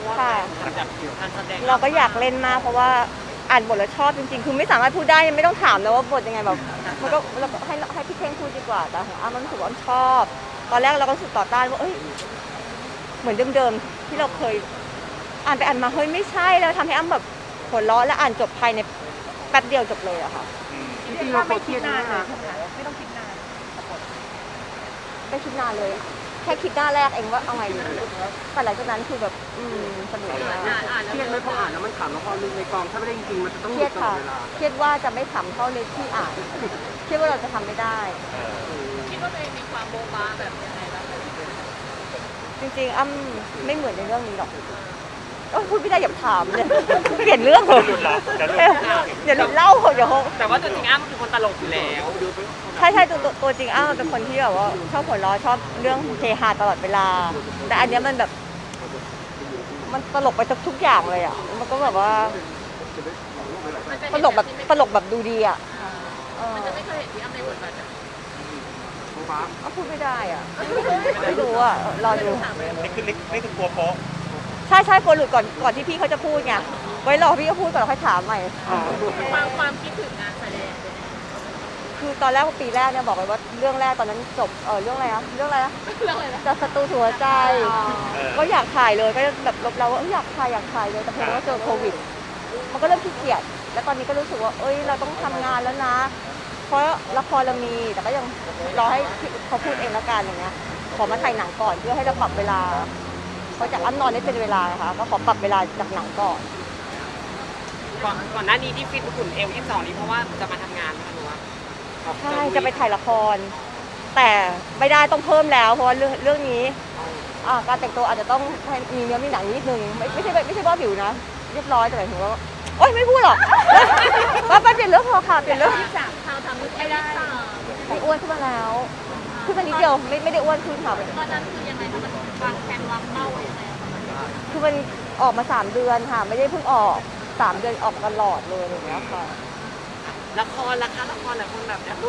ว่าแบบการแสดงเราก็อยากเล่นมากเพราะว่าอ่านบทแล้วชอบจริงๆคือไม่สามารถพูดได้ยังไม่ต้องถามแล้วว่าบทยังไงแบบมันก็เราก็ให้พี่เท่งพูดดีกว่าแต่ของอ้ำมันรู้สึกว่าอ้ำชอบตอนแรกเราก็รู้สึกต่อต้านว่าเอ้ยเหมือนเดิมๆที่เราเคยอ่านไปอ่านมาเฮ้ยไม่ใช่แล้วทำให้อ้ำแบบหัวเราะและอ่านจบภายในแป๊บเดียวจบเลยอะค่ะจริงๆเราไม่คิดนานเลยไม่ต้องคิดนานไม่คิดนานเลยแค่คิดหน้าแรกเองว่าเอาไงดีแต่หลังจากนั้นคือแบบสนุกมากเครียดไหมพออ่านแล้วมันขำแล้วพอในกองถ้าไม่ได้จริงๆมันจะต้องเครียดค่ะเครียดว่าจะไม่ขำเท่าในที่อ่านเครียดว่าเราจะทำไม่ได้คิดว่าตัวเองมีความโบ๊ะบ้าแบบยังไงบ้างจริงๆอ้ำไม่เหมือนในเรื่องนี้หรอกพูดไม่ได้อย่าถามเลยเปลี่ยนเรื่องเถอะเดี๋ยวเล่าเดี๋ยวแต่ว่าตัวจริงอ้ำคือคนตลกอยู่แล้วใช่ตัวจริงอ้ำเป็นคนที่แบบว่าชอบหัวเราะชอบเรื่องเฮฮาตลอดเวลาแต่อันนี้มันแบบมันตลกไปทุกอย่างเลยอ่ะมันก็แบบว่าตลกแบบดูดีอ่ะมันจะไม่เคยเห็นที่อ้ำในบทบาทแบบพูดไม่ได้อ่ะไม่รู้อ่ะรอดูนี่คือกลัวโป๊ะใช่กลัวหลุดก่อนที่พี่เขาจะพูดไงไว้รอพี่เขาพูดก่อนเราค่อยถามใหม่ความคิดถึงงานแสดงคือตอนแรกปีแรกเนี่ยบอกเลยว่าเรื่องแรกตอนนั้นจบเรื่องอะไรนะจะศัตรูหัวใจก็อยากถ่ายเลยก็แบบลบเราว่าอยากถ่ายเลยแต่เพิ่งว่าเจอโควิดมันก็เริ่มขี้เกียจแล้วตอนนี้ก็รู้สึกว่าเราต้องทำงานแล้วนะเพราะละครเรามีแต่ก็ยังรอให้เขาพูดเองแล้วกันอย่างเงี้ยขอมาถ่ายหนังก่อนเพื่อให้เราปรับเวลาเพราะจากอ้ำนอนได้เป็นเวลานะคะก็ขอปรับเวลาจากหนังก่อนหน้านี้ที่ฟิตหุ่นเอว22นี้เพราะว่าจะมาทำงานนะคะหนูว่าใช่จะไปถ่ายละครแต่ไม่ได้ต้องเพิ่มแล้วเพราะว่าเรื่องนี้การแต่งตัวอาจจะต้องมีเนื้อมีหนังนิดนึงไม่ใช่ว่าผิวนะเรียบร้อยแต่หมายถึงว่าไม่พูดหรอกไปเปลี่ยนเรื่องพอค่ะเปลี่ยนเรื่องเราทำไม่ได้ไม่อ้วนขึ้นมาแล้วขึ้นมานิดเดียวไม่ได้อ้วนขึ้นค่ะตอนนั้นคือยังไงคะมันวางแผนวางเป้ายังไงคือมันออกมา3 เดือนค่ะไม่ได้เพิ่งออก3 เดือนออกตลอดเลยอย่างเงี้ยค่ะละครหลายคนแบบอยากดู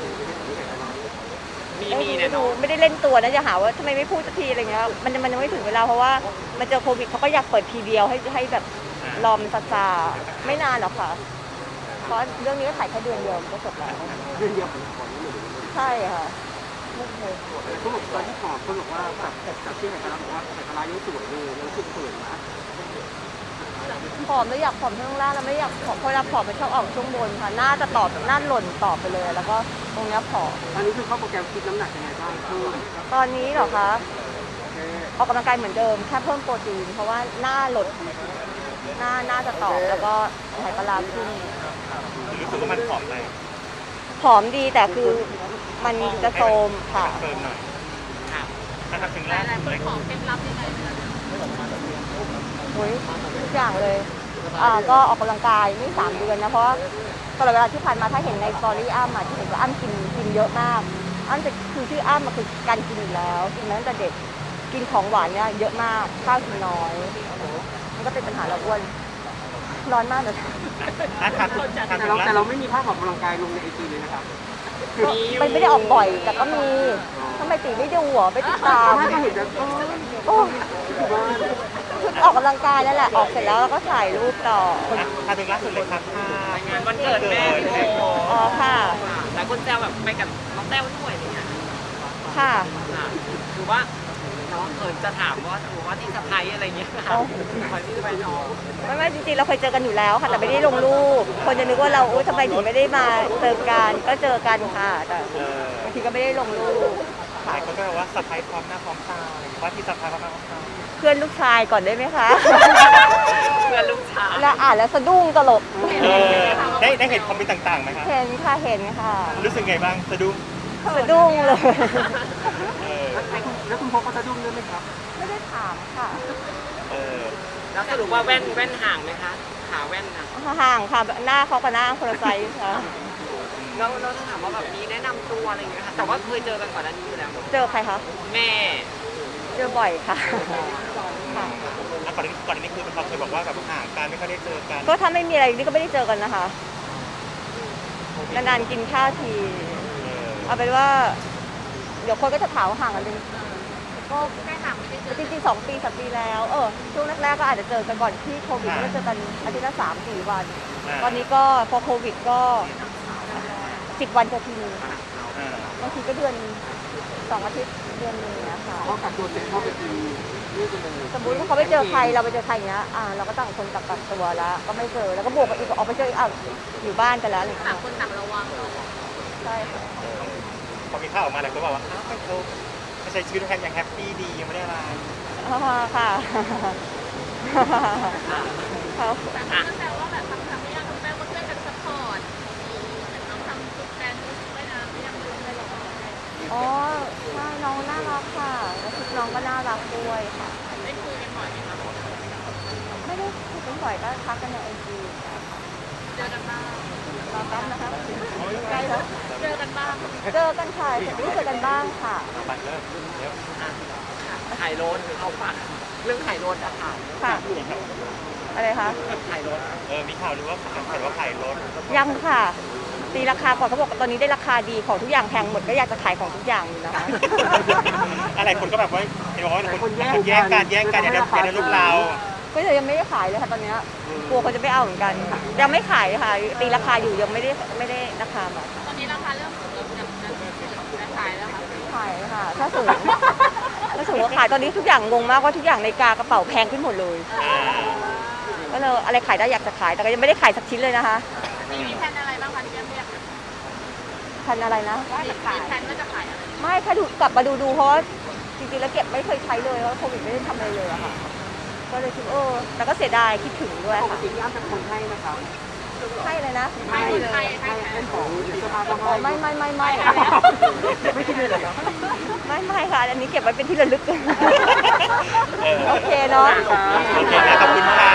มีเนี่ยเนาะไม่ได้เล่นตัวนะอย่าหาว่าทำไมไม่พูดสักทีอะไรเงี้ยมันยังไม่ถึงเวลาเพราะว่ามันเจอโควิดเขาก็อยากเปิดทีเดียวให้แบบรอมันซาไม่นานหรอกค่ะเพราะเรื่องนี้ก็ถ่ายแค่เดือนเดียวก็จบแล้วเดือนเดียวใช่ค่ะเขาบอกตอนที่ขอคนบอกว่าจากที่ไหนกันแล้วบอกว่าแต่กระไรยังสวยเลยยังสุดเขินนะผอมแล้วอยากผอมช่วงล่างแล้วไม่อยากผอมเพราะเราผอมมันชอบออกช่วงบนค่ะหน้าจะต่อหน้าหล่นต่อไปเลยแล้วก็ตรงนี้ผอมตอนนี้คือเข้าโปรแกรมคิดน้ำหนักยังไงบ้างตอนนี้เหรอคะออกกำลังกายเหมือนเดิมแค่เพิ่มโปรตีนเพราะว่าหน้าหลดหน้าจะตอบแล้วก็ไขปลาขึ้นรู้สึกว่ามันผอมไปผอมดีแต่คือมันจะโทรมค่ะเติมหน่อยถ้าทำถึงแรกเลยของเคล็ดลับยังไงทุกอย่างเลยก็ออกกำลังกายนี่3 เดือนนะเพราะตลอดเวลาที่ผ่านมาถ้าเห็นในสตอรี่อ้ำที่เห็นว่าอ้ำกินเยอะมากอ้ำจะคือชื่ออ้ำมันคือการกินอยู่แล้วกินมาตั้งแต่เด็กกินของหวานเนี่ยเยอะมากข้าวกินน้อยมันก็เป็นปัญหาเราอ้วนร้อนมากเลยแต่เราไม่มีภาพออกกำลังกายลงในไอจีเลยนะครับไม่ได้ออกบ่อยแต่ก็มีทำไมตีไม่ดูหัวไม่ติดตามถ้าเห็นจะออกกำลังกายแล้วแหละออกเสร็จแล้วก็ถ่ายรูปต่อถึงล่าสุดเลยครับงานวันเกิดแม่ค่ะแต่คนแซวแบบไปกับน้องแต้วด้วยอะไรเงี้ยค่ะคือว่าน้องจะถามว่าที่สะพายอะไรเงี้ยค่ะที่จะไปน้องไม่จริงๆเราเคยเจอกันอยู่แล้วค่ะแต่ไม่ได้ลงรูปคนจะนึกว่าเราทำไมถึงไม่ได้มาเจอกันก็เจอกันค่ะแต่บางทีก็ไม่ได้ลงรูปหลายคนก็บอกว่าสะพายพร้อมหน้าพร้อมตาว่าที่สะพายพร้อมหน้าพร้อมตาเพื่อนลูกชายก่อนได้ไหมคะเพื่อนลูกชายแล้วแล้วสะดุ้งตลกได้เห็นคอมเมนต์ต่างๆไหมคะเห็นค่ะรู้สึกไงบ้างสะดุ้งเลยแล้วคุณพ่อก็สะดุ้งด้วยไหมครับไม่ได้ถามค่ะแล้วสรุปว่าแว่นห่างไหมคะขาแว่นนะห่างค่ะหน้าเขากับหน้าคนละไซส์ค่ะเราถ้าถามว่าแบบนี้แนะนำตัวอะไรอย่างเงี้ยค่ะแต่ว่าเคยเจอกันก่อนหน้านี้อยู่แล้วเจอใครคะแม่เจอบ่อยค่ะก่อนนี้คือเขาเคยบอกว่าแบบห่างกันไม่ค่อยได้เจอกันก็ถ้าไม่มีอะไรนี่ก็ไม่ได้เจอกันนะคะนานๆกินข้าวทีเอาเป็นว่าเดี๋ยวคนก็จะถามห่างกันจริงก็จริงๆ2 ปี3 ปีแล้วช่วงแรกๆก็อาจจะเจอกันก่อนที่โควิดก็เจอกันอาทิตย์ละ3-4 วัน ตอนนี้ก็พอโควิดก็10 วันจะทีนึงบางทีก็เดือน2 อาทิตย์เดือนนึงนะคะเขากักตัวเสร็จเขาไปกินนี่กันเลยสมมติว่าเขาไปเจอใครเราไปเจอใครอย่างเงี้ยเราก็ต่างคนต่างตัวแล้วก็ไม่เจอแล้วก็บวกกับอีกออกไปเจออีกอยู่บ้านกันแล้วอะไรอย่างเงี้ยต่างคนต่างระวังใช่ค่ะพอมีข่าวออกมาแล้วก็บอกว่าไม่เขาใช้ชีวิตแฮปยังแฮปปี้ดียังไม่ได้อะไรค่ะค่ะแต่ก็แซวว่าแบบทำไม่ยากคุณแม่ก็ช่วยกันซัพพอร์ตน้องทำทุกแกนทุกไม่นานไม่ยังลืมเลยหรอกอ๋อใช่น้องน่ารักค่ะแล้วชุดน้องก็น่ารักด้วยค่ะได้คุยกันบ่อยไหมคะไม่ได้คุยกันบ่อยก็ทักกันในไอจีเจอกันบ้างรอแป๊บนะคะใกล้แล้วเจอกันบ้างเจอกันค่ะรู้จักกันบ้างค่ะไปเริ่มเดี๋ยวถ่ายรถเขาฝากเรื่องถ่ายรถอะค่ะค่ะอะไรคะถ่ายรถมีข่าวหรือว่าเห็นว่าขายรถยังค่ะตีราคาก่อนเขาบอกว่าตอนนี้ได้ราคาดีของทุกอย่างแพงหมดก็อยากจะขายของทุกอย่างอยู่นะคะอะไรคนก็แบบว่าเห็นบอกว่าคนแย่งกันอย่าได้ลูกเราก็เลยยังไม่ได้ขายเลยค่ะตอนเนี้ยกลัวเขาจะไม่เอาเหมือนกันยังไม่ขายค่ะตีราคาอยู่ยังไม่ได้ราคาแบบตอนนี้ราคาเริ่มสูงแล้วจะขายแล้วค่ะขายค่ะถ้าสูงก็ขายตอนนี้ทุกอย่างงงมากว่าทุกอย่างในกากระเป๋าแพงขึ้นหมดเลยก็เลยอะไรขายได้อยากจะขายแต่ก็ยังไม่ได้ขายสักชิ้นเลยนะคะมีแผนอะไรบ้างคะที่ยังไม่อยากพันอะไรนะมีแผนว่าจะขายอะไรไม่แค่ดูกลับมาดูเพราะว่าจริงๆแล้วเก็บไม่เคยใช้เลยเพราะโควิดไม่ได้ทำอะไรเลยอะค่ะก็เลยคิดแต่ก็เสียดายคิดถึงด้วยปกค่ะติย่าเป็นคนให้นะครับให้เลยนะให้เป็นของเสื้อผ้าก็อ๋อให้ไม่ไม่คิดเลยเหรอไม่ค่ะอันนี้เก็บไว้เป็นที่ระลึกโอเคเนาะโอเคนะขอบคุณค่ะ